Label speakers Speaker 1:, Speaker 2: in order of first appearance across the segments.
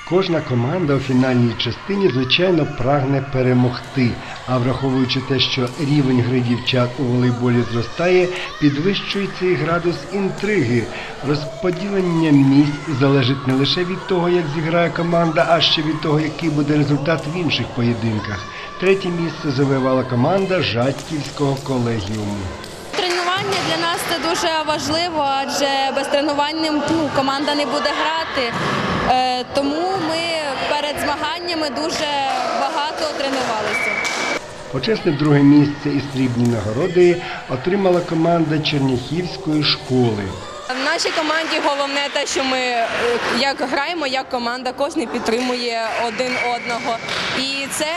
Speaker 1: Кожна команда у фінальній частині, звичайно, прагне перемогти. А враховуючи те, що рівень гри дівчат у волейболі зростає, підвищується і градус інтриги. Розподілення місць залежить не лише від того, як зіграє команда, а ще від того, який буде результат в інших поєдинках. Третє місце завоювала команда Жадківського колегіуму.
Speaker 2: Тренування для нас це дуже важливо, адже без тренувань команда не буде грати. Тому ми перед змаганнями дуже багато тренувалися.
Speaker 1: Почесне друге місце і срібні нагороди отримала команда Черняхівської школи.
Speaker 2: В нашій команді головне те, що ми як граємо, як команда, кожен підтримує один одного. І це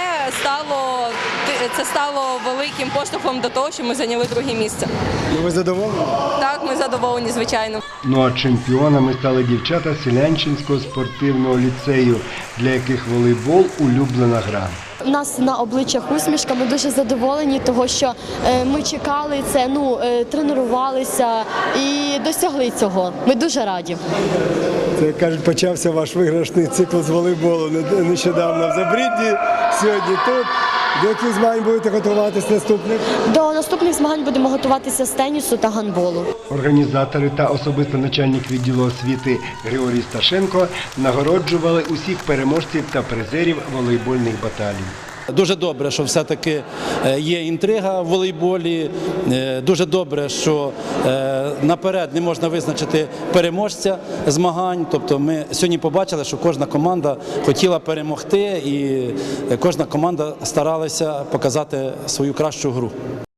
Speaker 2: стало великим поштовхом до того, що ми зайняли друге місце.
Speaker 1: Ви задоволені?
Speaker 2: Так, ми задоволені, звичайно.
Speaker 1: Ну а чемпіонами стали дівчата Селянчинського спортивного ліцею, для яких волейбол – улюблена гра.
Speaker 3: У нас на обличчях усмішка, ми дуже задоволені, того, що ми чекали це, тренувалися і досягли цього. Ми дуже раді.
Speaker 4: Це, як кажуть, почався ваш виграшний цикл з волейболу нещодавно в Забрідді, сьогодні тут. До яких змагань будете готуватися наступних?
Speaker 3: До наступних змагань будемо готуватися з тенісу та гандболу.
Speaker 1: Організатори та особисто начальник відділу освіти Григорій Сташенко нагороджували усіх переможців та призерів волейбольних баталій.
Speaker 5: Дуже добре, що все-таки є інтрига в волейболі, дуже добре, що наперед не можна визначити переможця змагань. Тобто ми сьогодні побачили, що кожна команда хотіла перемогти і кожна команда старалася показати свою кращу гру.